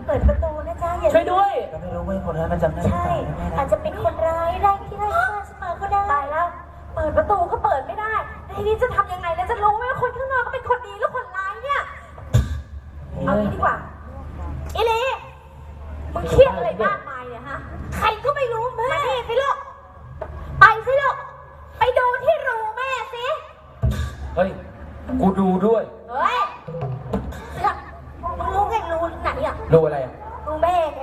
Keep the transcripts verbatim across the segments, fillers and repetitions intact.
เปิดประตูนะจ๊ะอย่าช่วยด้วยก็ไม่รู้ว่าคนนั้นมันจำได้ใช่อาจจะเป็นคนร้ายไล่ที่ไล่ฆ่าฉันมาก็ได้ตายแล้วเปิดประตูก็เปิดไม่ได้ทีนี้จะทำยังไงแล้วจะรู้ไหมว่าคนข้างนอกก็เป็นคนดีหรือคนร้ายเนี่ยเอางี้ดีกว่าอีลีมึงเครียดอะไรมากมายเนี่ยฮะใครก็ไม่รู้แม่มาดิสิลูกไปสิลูกไปดูที่รูแม่สิเฮ้ยกูดูด้วยเฮ้ยเสือกมึงรู้ไงรูไหนอ่ะดูอะไรอ่ะรูแม่ไง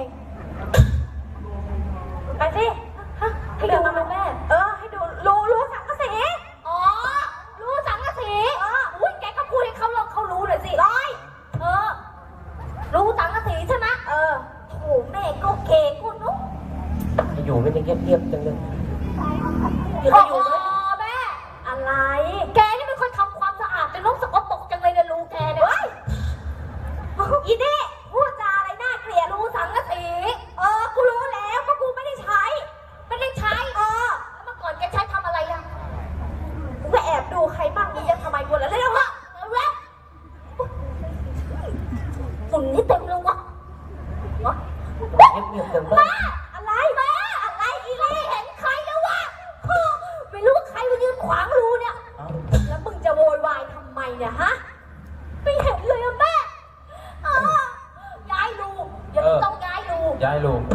ไปสิฮะให้ดูรูแม่เออให้ดูรูรูสังกะสีอ๋อรูสังกะสีเอออุ้ยแกก็พูดให้เขาลองเขารู้หน่อยสิร้อยเออรูสังกะสีใช่ไหมเออโถแม่ก็เก่งกูนุ๊กอยู่ไม่ได้เงียบๆจังเลยโอ้โหแม่อะไรแกนี่เป็นคนทำความสะอาดเป็นโรคสกปรกจังเลยนะรูแกเนี่ยอีนี่พูดจาอะไรน่าเกลียดรูสังกะสีเออกูรู้แล้วก็กูไม่ได้ใช้ไม่ได้ใช้เออแล้วเมื่อก่อนแกใช้ทำอะไรอ่ะกูก็แอบดูใครบ้างมึงจะทำไมกูแล้วเร็วๆวะเร็วๆฝุ่นนี่เต็มเลยวะวะเงียบๆจังแม่อะไรแม่อะไรอีเล่เห็นใครแล้ววะไม่รู้ว่าใครมายืนขวางรูเนี่ยแล้วมึงจะโวยวายทำไมเนี่ยฮะไม่เห็นเลยอะแม่ย้ายรูเดี๋ยวต้องย้ายรูย้ายลูก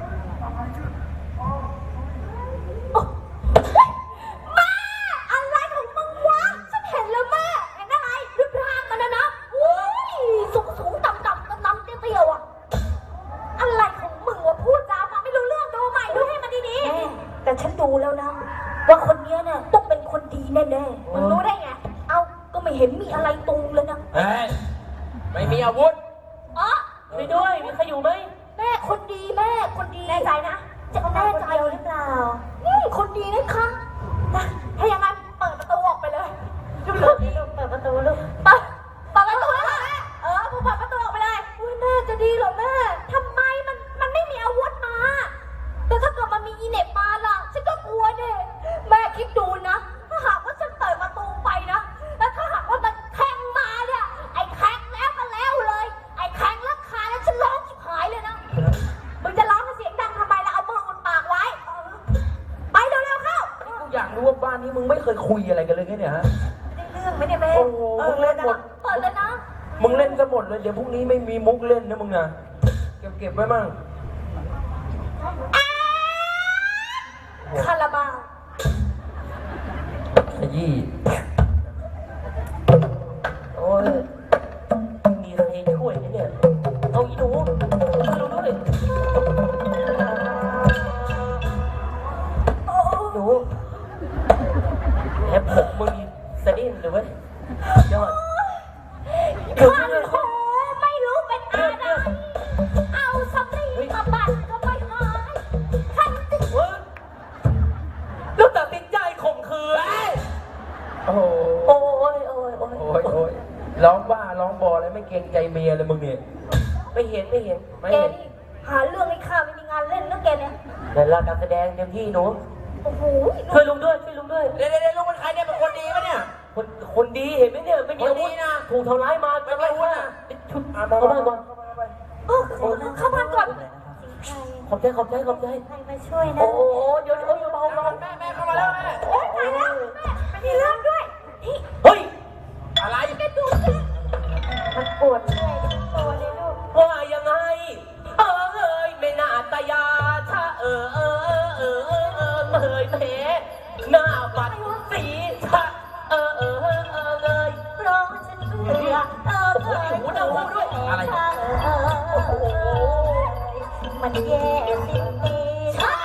แม่อะไรของมึงวะฉันเห็นแล้วแม่เห็นอะไรรูปร่างมันนะนะอุ้ยสูงสูงต่ำต่ำต่ำเตี้ยเตี้ยอะอะไรของมึงวะพูดจาฟังไม่รู้เรื่องดูใหม่ดูให้มันดีๆแต่ฉันดูแล้วนะว่าคนนี้เนี่ยต้องเป็นคนดีแน่ๆมึงรู้ได้ไงเอ้าก็ไม่เห็นมีอะไรตรงเลยนะเฮ้ยไม่มีอาวุธอ๋อช่วยด้วยมีใครอยู่ไหมแม่คนดีแม่คนดีแน่ใจนะจะแน่ใจหรือเปล่าอืมคนดีนะคะนะถ้าอย่างนั้นเปิดประตูออกไปเลยลูกลูกเปิดประตูลูกเปิดเปิดประตูเลยแม่เออมึงเปิดประตูออกไปเลยอุ้ยแม่จะดีเหรอแม่ทำไมมันมันไม่มีอาวุธมาแต่ถ้าเกิดมันมีอีเน็ตมาล่ะฉันก็กลัวเด้แม่คิดดูนะถ้าหากว่าฉันเปิดประตูไปนะแล้วถ้าหากว่ามันแทงมาเนี่ยไอ้แทงแล้วก็แล้วเลยไอ้แทงแล้วคาแล้วฉันร้องชิบหายเลยนะมึงจะร้องเสียงดังทำไมล่ะเอามืออุดปากไว้ไปเร็วๆเข้ากูอยากรู้ว่าบ้านนี้มึงไม่เคยคุยอะไรกันเลยไงเนี่ยฮะไม่ได้เรื่องไม่ได้แม่โอ้โหมึงเล่นหมดเปิดเลยนะมึงเล่นกันหมดเลยเดี๋ยวพรุ่งนี้ไม่มีมุกเล่นนะมึงนะเก็บเก็บไว้มั่งคาราบาวขยี้โอ้ยมีใครช่วยไหมเนี่ยเอาอีหนูช่วยดูด้วยหนูแอบผมมึงสะดิ้นหรือวะยอดขันโหไม่รู้เป็นอะไรเอาสำลีมาบัดก็ไม่หายขันติเว้ยแล้วตัดสินใจข่มขืนโอ้โหโอ้ยโอ้ยโอ้ยโอ้ยโอ้ยร้องบ้าร้องบออะไรไม่เกรงใจเมียเลยมึงเนี่ยไม่เห็นไม่เห็นไม่แกเห็นนี่หาเรื่องให้ข้าไม่มีงานเล่นนะแกเนี่ยแต่ละการแสดงเต็มที่หนูโอ้โหช่วยลุงด้วยช่วยลุงด้วยเดี๋ยวเดี๋ยวลุงเป็นใครเนี่ยเป็นคนดีปะเนี่ยคนคนดีเห็นไหมเนี่ยไม่มีอาวุธนะถูกทำร้ายมาทำร้ายว่าชุดเข้าบ้านก่อนเออเข้าบ้านก่อนขอบใจขอบใจขอบใจใครมาช่วยนะโอ้โหเดี๋ยวเดี๋ยวเบาเบาแม่แม่เข้ามาแล้วแม่โอ้ยตายแล้วแม่ไม่มีเรื่องด้วยนี่เฮ้ยอะไรแกดูสิมันปวดเมื่อยทั้งตัวเลยลูกว่ายังไงเออเอ้ยไม่น่าตายาถ้าเออเออเออเออเออเมยเพหน้าบัดสีชะเออเออเออเออเลยเพราะฉันเบื่อเออเออหูดหูด้วยอะไรมันแย่สิ่งนี้ชะ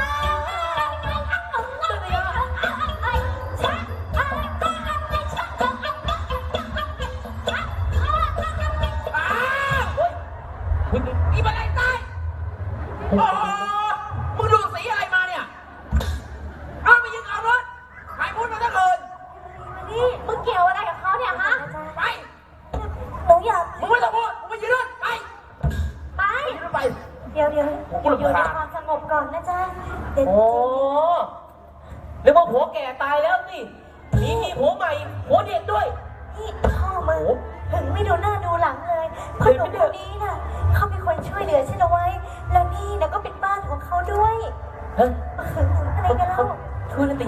อีบันไดตายโอ้มึงดูสีอะไรมาเนี่ยเอาไปยิงเอารถใครพูดมาตั้งคืนนี่มึงเกี่ยวอะไรกับเขาเนี่ยฮะไปหนูอยากมึงไม่ต้องพูดมึงไปยืนรถไปไปยืนไปเดี๋ยวเดี๋ยวอยู่ในความสงบก่อนนะจ๊ะเดี๋ยวโอ้เรียกว่าผัวแก่ตายแล้วสิมีมีผัวใหม่ผัวเด็กด้วยนี่พ่อมึงถึงไม่ดูหน้าดูหลังเลยเพราะหนุ่มคนนี้น่ะเขาเป็นคนช่วย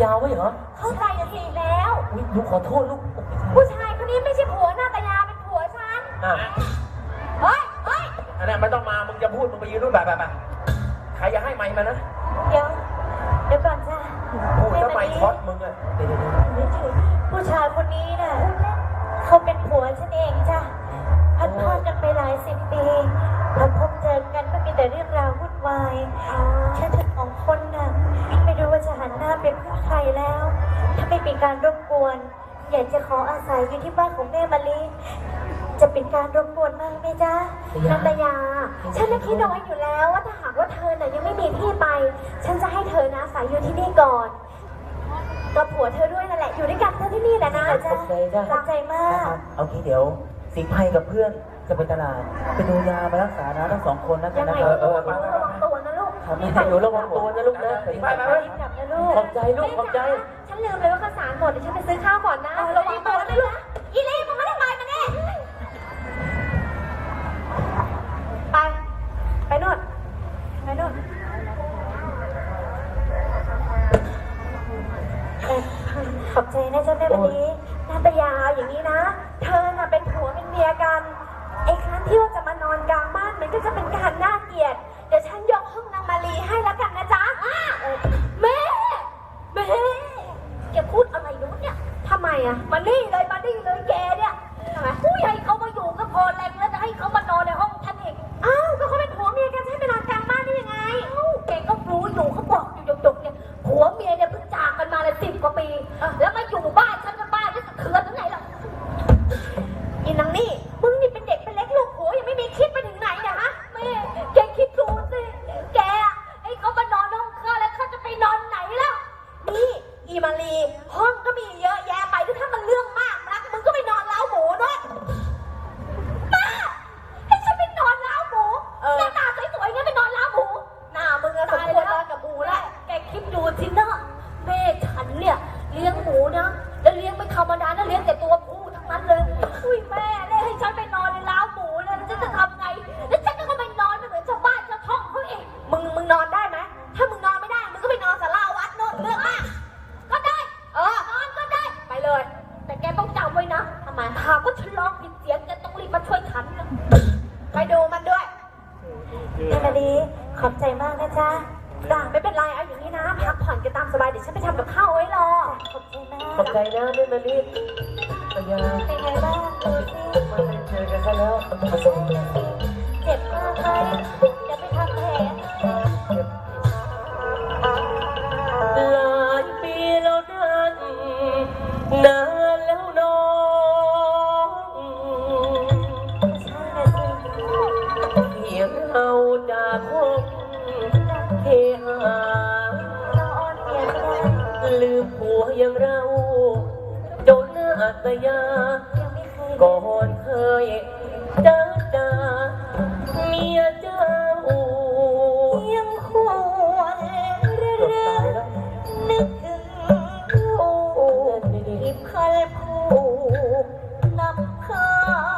าวไว้เหรอเข้าใจผิดแล้วอุ๊ยลูกขอโทษลูกผู้ชายคนนี้ไม่ใช่ผัวนาตยาเป็นผัวฉันอ่ะเฮ้ยเฮ้ยอันนั้นไม่ต้องมา มึงจะพูด มึงไปยืนนู่นแบบแบบแบบใครจะให้ไมค์มานะเดี๋ยวเดี๋ยวก่อนจ้ะพูดแล้วไมค์ช็อตมึงอะเดี๋ยวเดี๋ยวเดี๋ยวผู้ชายคนนี้น่ะเขาเป็นผัวฉันเองจ้ะพัดพรากกันไปหลายสิบปีพอพบเจอกันก็มีแต่เรื่องราววุ่นวายฉันทั้งสองคนน่ะไม่รู้ว่าจะหันหน้าไปพึ่งใครแล้ว ถ้าไม่เป็นการรบกวน อยากจะขออาศัยอยู่ที่บ้านของแม่มะลิจะเป็นการรบกวนมากไหมจ๊ะนันตยา ฉันน่ะคิดเอาไว้อยู่แล้วว่าถ้าหากว่าเธอน่ะยังไม่มีที่ไป ฉันจะให้เธอนะอาศัยอยู่ที่นี่ก่อนกับผัวเธอด้วยนั่นแหละอยู่ด้วยกันเธอที่นี่แหละนะขอบใจจ้ะขอบใจมานะคกรับเอางี้เดี๋ยวสิงห์ไพกับเพื่อนจะไปตลาดไปดูยามารักษานะทั้งสองคนนะกัยันงนะไงครับก็ต้องระวังตัวนะลูกครับแม่หนูระวังตัวนะลูกนะไปไปไปรีบกลับนะลูกขอบใจลูกขอบใจฉันลืมเลยว่าข้าวสารหมดเดี๋ยวฉันไปซื้อข้าวก่อนนะระวังตัวนะลูกอีเล่มึงไม่ได้ไปมาแน่ไปไปโน่นไปโน่นขอบใจนะจ๊ะแม่วันนี้นาตยาอย่างนี้นะ เธอน่ะเป็นผัวเป็นเมียกันไอ้ครั้งที่ว่าจะมานอนกลางบ้านมันก็จะเป็นการน่าเกลียดเดี๋ยวฉันยกห้องนางมาลีให้แล้วกันนะจ๊ะแม่แม่แกพูดอะไรนู้นเนี่ยทำไมอะมานี่เลยมานี่เลยแกเนี่ยทำไมผู้ใหญ่เขามาอยู่ก็พอแรงแล้วจะให้เขามานอนในห้องฉันเองอ้าวก็เขาเป็นผัวเมียกันจะให้ไปนอนกลางบ้านได้ยังไงอ้าวแกก็รู้อยู่เขาบอกอยู่หยกๆเนี่ยผัวเมียเนี่ยเพิ่งจากกันมาเลยสิบกว่าปีแล้วมาอยู่บ้านฉันก็บ้านจะสะเทือนถึงไหนล่ะอีนางนี่มึงนี่เป็นเด็กเป็นเล็กลูกผัวยังไม่มีคิดไปถึงไหนเนี่ยฮะแม่แกคิดดูสิแกอะไอ้เขามานอนห้องข้าแล้วข้าจะไปนอนไหนล่ะนี่อีมาลีห้องก็มีเยอะแยะไปถ้ามันเรื่องมากนักมึงก็ไปนอนเล้าหมูด้วยป้าให้ฉันไปนอนเล้าหมูหน้าตาสวยๆงั้นไปนอนเล้าหมูหน้ามึงอะสมควรนอนกับหมูแล้วแกคิดดูสินะแม่ฉันเนี่ยเลี้ยงหมูนะแล้วเลี้ยงไม่ธรรมดานะเลี้ยงแต่ตัวผู้ทั้งนั้นเลยอุ้ยแม่เนี่ยให้ฉันไปนอนในเล้าหมูเนี่ยแล้วฉันจะทำไงแล้วฉันก็ไปนอนเหมือนชาวบ้านชาวช่องเขาเองมึงมึงนอนได้ไหมถ้ามึงนอนไม่ได้มึงก็ไปนอนศาลาวัดโน่นเรื่องมากก็ได้เออนอนก็ได้ไปเลย แต่แกต้องจำไว้นะทำไมหากว่าฉันร้องผิดเสียงแกต้องรีบมาช่วยฉันนะไปดูมันด้วยแม่มาดีขอบใจมากนะจ๊ะจ้าไม่เป็นไรเอาอย่างนี้นะพักผ่อนกันตามสบายเดี๋ยวฉันไปทำกับข้าวไว้รอขอบใจมากขอบใจนะแม่มาลีตยาเป็นไงบ้างดูสิไม่ได้เจอกันซะแล้วเจ็บมากไหมเดี๋ยวไปทำแผลหลายปีแล้วนั้นนานแล้วน้องใช่นะสิเพียงเราจากคงเทหาเราอ้อนเมียไม่ได้ลืมผัวอย่างเราโดนหน้าตยายังไม่เคยก่อนเคยจ้าจ้าเมียเจ้ายังหวนเรื่เกือบอตายแล้วนึกถึงลูกที่เคยผูกนำพา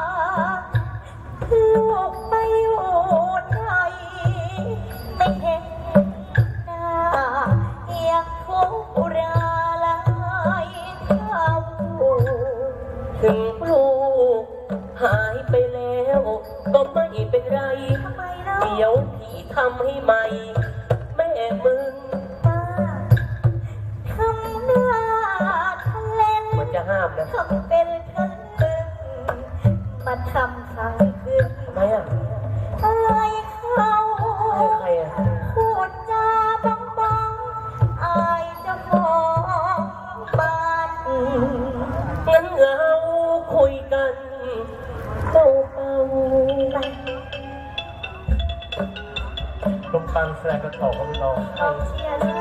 ลูกไปอยู่ไหนไม่เห็นหน้ายังทุกข์ราลายเท่าถึงลูกหายไปแล้วก็ไม่เป็นไรทำไมเล่าเดี๋ยวพี่ทำให้ใหม่ แม่มึงป้าทำหน้าทะเลนมันจะห้ามนะทำเป็นคันลึงมาทำทางขึ้นทำไมอ่ะอะไรเขาให้ใครอ่ะพูดจาบังบังอายเจะของบ้านงั้นเราคุยกันเบาๆลมปังแสดงกระถอกของเราเราเชียร์